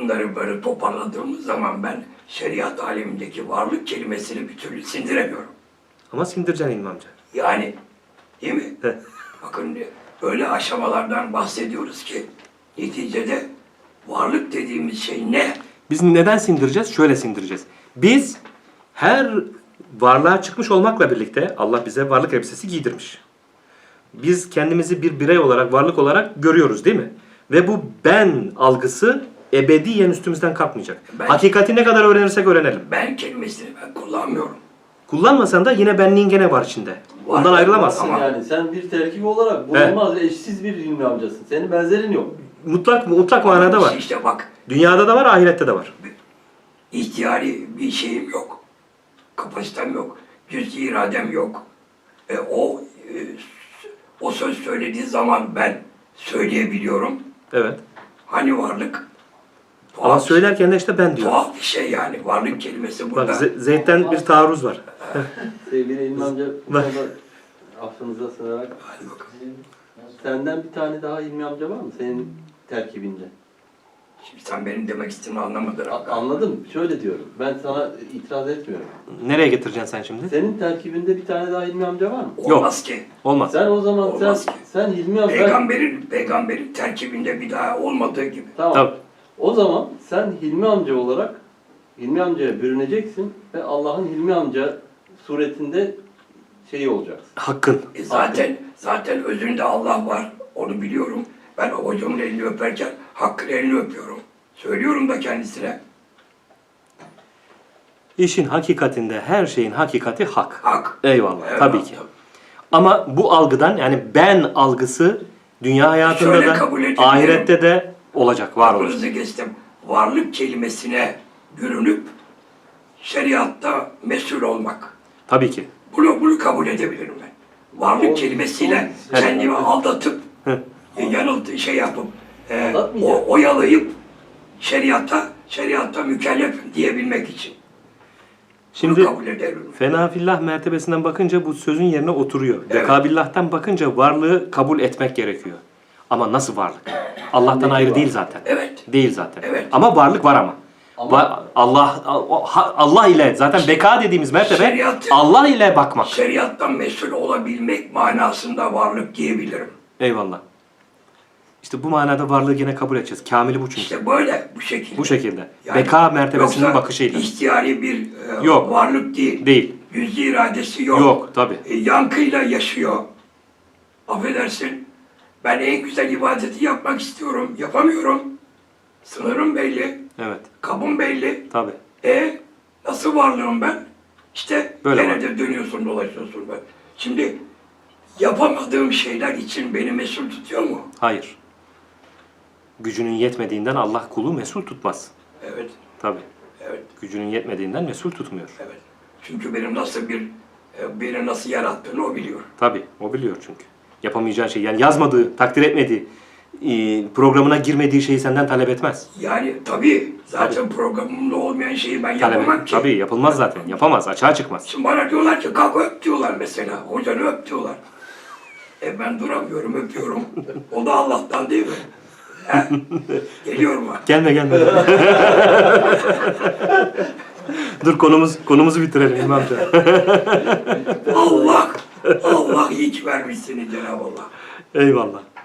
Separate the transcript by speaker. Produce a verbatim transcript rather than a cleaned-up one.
Speaker 1: bunları böyle toparladığımız zaman ben şeriat alemindeki varlık kelimesini bir türlü sindiremiyorum.
Speaker 2: Ama sindireceksin İlmi amca.
Speaker 1: Yani değil mi? Bakın öyle aşamalardan bahsediyoruz ki neticede varlık dediğimiz şey ne?
Speaker 2: Biz neden sindireceğiz? Şöyle sindireceğiz. Biz her varlığa çıkmış olmakla birlikte Allah bize varlık elbisesi giydirmiş. Biz kendimizi bir birey olarak, varlık olarak görüyoruz değil mi? Ve bu ben algısı ebediyen üstümüzden kalkmayacak.
Speaker 1: Ben,
Speaker 2: Hakikati ne kadar öğrenirsek öğrenelim.
Speaker 1: Ben kelimesini ben kullanmıyorum.
Speaker 2: Kullanmasan da yine benliğin gene var içinde.
Speaker 1: Var,
Speaker 2: Ondan ayrılamazsın.
Speaker 1: ama-
Speaker 3: Yani sen bir terkip olarak bulunmaz ve eşsiz bir ilmi amcasın. Senin benzerin yok.
Speaker 2: Mutlak mutlak manada var.
Speaker 1: İşte bak,
Speaker 2: Dünyada da var, ahirette de var.
Speaker 1: ihtiyari bir şeyim yok. Kapasitem yok. Cüz-i iradem yok. E, o e, o söz söylediği zaman ben söyleyebiliyorum.
Speaker 2: Evet.
Speaker 1: Hani varlık?
Speaker 2: Ama
Speaker 1: Tuhaf,
Speaker 2: söylerken de işte ben diyor.
Speaker 1: tuhaf bir şey yani. Varlık kelimesi burada.
Speaker 2: Bak Ze- Zeyd'den bir taarruz var.
Speaker 3: Sevgili ilmi amca bu
Speaker 2: Bak.
Speaker 3: konuda affınıza sığınarak
Speaker 1: Hadi bakalım.
Speaker 3: senden bir tane daha ilmi amca var mı senin terkibinde?
Speaker 1: Şimdi sen benim demek istediğimi anlamadın.
Speaker 3: A- Anladım. Şöyle diyorum. Ben sana itiraz etmiyorum.
Speaker 2: Nereye getireceksin sen şimdi?
Speaker 3: Senin terkibinde bir tane daha ilmi amca var mı?
Speaker 1: Olmaz ki.
Speaker 2: Olmaz.
Speaker 3: Sen o zaman sen
Speaker 1: Olmaz ki.
Speaker 3: sen ilmi amca
Speaker 1: Peygamberin, peygamberin terkibinde bir daha olmadığı gibi.
Speaker 3: tamam.
Speaker 2: Tabii.
Speaker 3: O zaman sen Hilmi amca olarak Hilmi amcaya bürüneceksin ve Allah'ın Hilmi amca suretinde şeyi olacaksın.
Speaker 2: Hakkın.
Speaker 1: E zaten zaten özünde Allah var. Onu biliyorum. Ben o hocamın elini öperken Hakk'ın elini öpüyorum. Söylüyorum da kendisine.
Speaker 2: İşin hakikatinde her şeyin hakikati hak.
Speaker 1: Hak.
Speaker 2: Eyvallah.
Speaker 1: Evet,
Speaker 2: tabii ki. Ama bu algıdan yani ben algısı dünya hayatında
Speaker 1: Şöyle
Speaker 2: da
Speaker 1: kabul edebilirim.
Speaker 2: ahirette de olacak, var olacak.
Speaker 1: Aklınızı geçtim. Varlık kelimesine bürünüp şeriatta mesul olmak.
Speaker 2: Tabii ki.
Speaker 1: Bunu, bunu kabul edebilirim ben. Varlık
Speaker 3: O-
Speaker 1: kelimesiyle
Speaker 3: o-
Speaker 1: kendimi aldatıp,
Speaker 2: Hı.
Speaker 1: e, yanıltı şey yapıp, e,
Speaker 3: Aldatmayacak.
Speaker 1: o, oyalayıp şeriata, şeriatta mükellefim diyebilmek için.
Speaker 2: Şimdi
Speaker 1: Bunu kabul ederim.
Speaker 2: fenafillah mertebesinden bakınca bu sözün yerine oturuyor.
Speaker 1: Evet.
Speaker 2: Vekabillah'tan bakınca varlığı kabul etmek gerekiyor. Ama nasıl varlık? Allah'tan ayrı değil zaten.
Speaker 1: Evet.
Speaker 2: Değil zaten.
Speaker 1: Evet.
Speaker 2: Ama varlık var ama.
Speaker 3: Ama-
Speaker 2: Va- Allah Allah ile zaten beka dediğimiz mertebe
Speaker 1: Şeriatı-
Speaker 2: Allah ile bakmak.
Speaker 1: Şeriattan mesul olabilmek manasında varlık diyebilirim.
Speaker 2: Eyvallah. İşte bu manada varlığı gene kabul edeceğiz. Kamili bu çünkü.
Speaker 1: İşte böyle, bu şekilde.
Speaker 2: Bu şekilde.
Speaker 1: Yani
Speaker 2: Beka mertebesinin
Speaker 1: yoksa
Speaker 2: bakışıyla.
Speaker 1: ihtiyari bir e,
Speaker 2: Yok.
Speaker 1: varlık değil.
Speaker 2: Değil.
Speaker 1: Cüz-i iradesi yok.
Speaker 2: Yok tabii.
Speaker 1: E, yankıyla yaşıyor. Affedersin. Ben en güzel ibadeti yapmak istiyorum. Yapamıyorum. Sınırım belli.
Speaker 2: Evet.
Speaker 1: Kabım belli.
Speaker 2: Tabii.
Speaker 1: E nasıl varlığım ben? İşte
Speaker 2: Böyle
Speaker 1: gene
Speaker 2: var.
Speaker 1: de dönüyorsun dolaşıyorsun ben. Şimdi yapamadığım şeyler için beni mesul tutuyor mu?
Speaker 2: Hayır. Gücünün yetmediğinden Allah kulu mesul tutmaz.
Speaker 1: Evet.
Speaker 2: Tabii.
Speaker 1: Evet.
Speaker 2: Gücünün yetmediğinden mesul tutmuyor.
Speaker 1: Evet. Çünkü benim nasıl bir e, beni nasıl yarattığını o biliyor.
Speaker 2: Tabii. O biliyor çünkü. Yapamayacağı şey yani yazmadığı, takdir etmediği, e, programına girmediği şeyi senden talep etmez.
Speaker 1: Yani tabii zaten programımda olmayan şeyi ben
Speaker 2: Talep
Speaker 1: yapamam ki.
Speaker 2: Tabii yapılmaz zaten. Yapamaz. Açığa çıkmaz.
Speaker 1: Şimdi bana diyorlar ki kalk öp diyorlar mesela. Hocanı öp diyorlar. E ben duramıyorum, öpüyorum. O da Allah'tan değil mi? He? Geliyor mu?
Speaker 2: Gelme gelme. Dur konumuz konumuzu bitirelim İmam amca.
Speaker 1: Allah, Allah iyi ki vermiş seni Cenab-ı Allah.
Speaker 2: Eyvallah.